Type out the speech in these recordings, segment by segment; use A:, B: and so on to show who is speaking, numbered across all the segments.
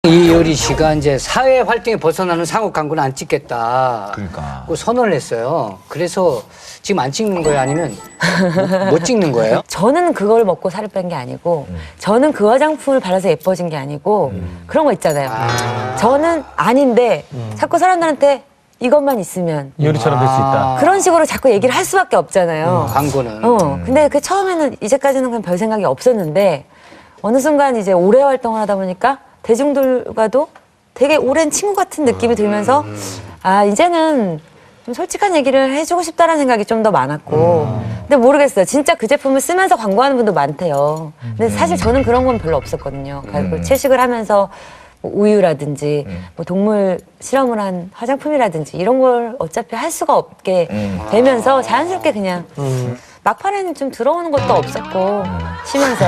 A: 이효리 씨가 이제 사회 활동에 벗어나는 상업 광고는 안 찍겠다.
B: 그러니까.
A: 고 선언을 했어요. 그래서 지금 안 찍는 거예요? 아니면 못 찍는 거예요?
C: 저는 그걸 먹고 살을 뺀 게 아니고 저는 그 화장품을 바라서 예뻐진 게 아니고 그런 거 있잖아요. 저는 아닌데 자꾸 사람들한테 이것만 있으면
D: 요리처럼 될 수 있다.
C: 그런 식으로 자꾸 얘기를 할 수밖에 없잖아요.
A: 광고는.
C: 근데 그 처음에는 이제까지는 그냥 별 생각이 없었는데 어느 순간 이제 오래 활동을 하다 보니까 대중들과도 되게 오랜 친구 같은 느낌이 들면서 아 이제는 좀 솔직한 얘기를 해주고 싶다라는 생각이 좀 더 많았고 근데 모르겠어요. 진짜 그 제품을 쓰면서 광고하는 분도 많대요. 근데 사실 저는 그런 건 별로 없었거든요. 채식을 하면서 뭐 우유라든지 뭐 동물 실험을 한 화장품이라든지 이런 걸 어차피 할 수가 없게 되면서 자연스럽게 그냥 막판에는 좀 들어오는 것도 없었고 쉬면서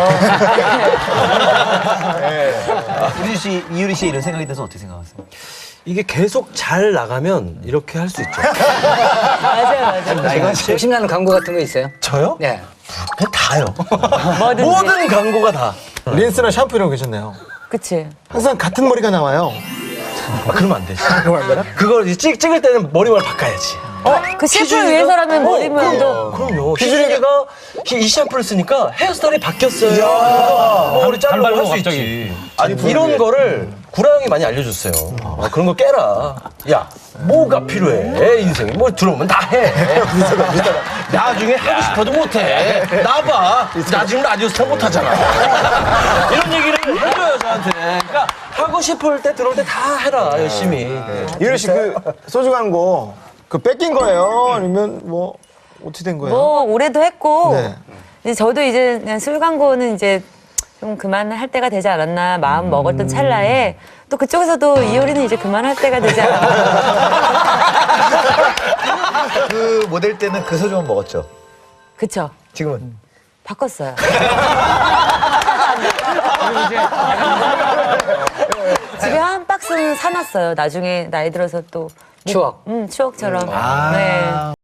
B: 우리 씨, 이유리 씨 이런 생각에 대해서 어떻게 생각하세요?
E: 이게 계속 잘 나가면 이렇게 할 수 있죠.
C: 맞아요.
A: 욕심나는 광고 같은 거 있어요?
E: 저요?
A: 네.
E: 그냥 다요.
C: 뭐든지.
E: 모든 광고가 다.
F: 린스나 샴푸 이런 거 괜찮네요.
C: 그치.
F: 항상 같은 머리가 나와요.
E: 아, 그러면 안 되지. 그걸 이제 찍을 때는 머리만 바꿔야지.
C: 그 셰프를 위해서라면 머리 모양도
E: 그럼요. 희준이가 이 샴푸를 쓰니까 헤어스타일이 바뀌었어요. 머리 자르고
D: 단발로
E: 할 수
D: 갑자기.
E: 있지. 아니 이런 거를 구라 형이 많이 알려줬어요. 그런 거 깨라. 야 뭐가 필요해 인생에 뭐 들어오면 다 해. 나중에 하고 싶어도 못해. 나봐. 나 지금 라디오 스타 못하잖아. 이런 얘기를 해줘요 저한테. 그러니까 하고 싶을 때 들어올 때 다 해라 열심히.
F: 이효리 씨 그 소주 광고 그 뺏긴 거예요? 아니면 뭐 어떻게 된 거예요?
C: 뭐 올해도 했고
F: 네.
C: 이제 저도 이제 그냥 술 광고는 이제 좀 그만할 때가 되지 않았나 마음 먹었던 찰나에 또 그쪽에서도 이효리는 이제 그만할 때가 되지 않았나.
B: 그 모델 때는 그 소주만 먹었죠.
C: 그쵸.
B: 지금은?
C: 바꿨어요. 집에 한 박스는 사놨어요. 나중에 나이 들어서 또
A: 추억.
C: 추억처럼. 네.